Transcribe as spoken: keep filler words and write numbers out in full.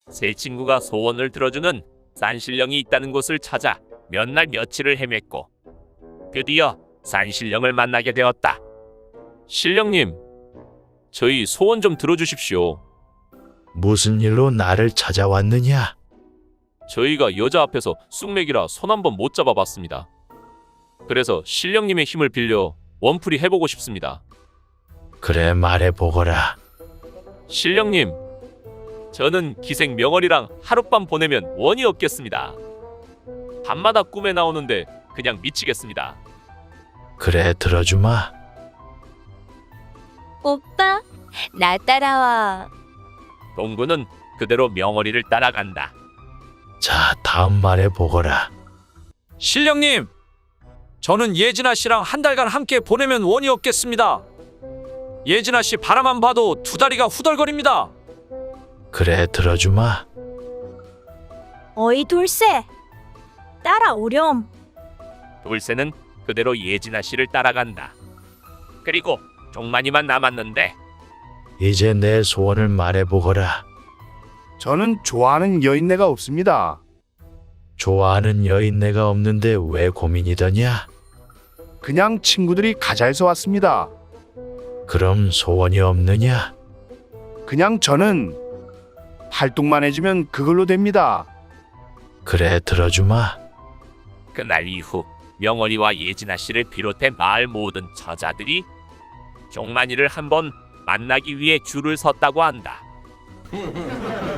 세 친구가 소원을 들어주는 산신령이 있다는 곳을 찾아 몇 날 며칠을 헤맸고 드디어 산신령을 만나게 되었다. 신령님, 저희 소원 좀 들어주십시오. 무슨 일로 나를 찾아왔느냐? 저희가 여자 앞에서 쑥맥이라 손 한 번 못 잡아봤습니다. 그래서 신령님의 힘을 빌려 원풀이 해보고 싶습니다. 그래 말해보거라. 신령님, 저는 기생 명월이랑 하룻밤 보내면 원이 없겠습니다. 밤마다 꿈에 나오는데 그냥 미치겠습니다. 그래 들어주마. 오빠, 나 따라와. 동구는 그대로 명월이를 따라간다. 자 다음 말해보거라. 신령님, 저는 예진아 씨랑 한 달간 함께 보내면 원이 없겠습니다. 예진아 씨 바라만 봐도 두 다리가 후덜거립니다. 그래 들어주마. 어이 돌쇠, 따라오렴. 돌쇠는 그대로 예진아 씨를 따라간다. 그리고 종만이만 남았는데 이제 내 소원을 말해보거라. 저는 좋아하는 여인네가 없습니다. 좋아하는 여인네가 없는데 왜 고민이더냐? 그냥 친구들이 가자 해서 왔습니다. 그럼 소원이 없느냐? 그냥 저는 활동만 해주면 그걸로 됩니다. 그래 들어주마. 그날 이후 명월이와 예진아 씨를 비롯해 마을 모든 처자들이 종만이를 한번 만나기 위해 줄을 섰다고 한다.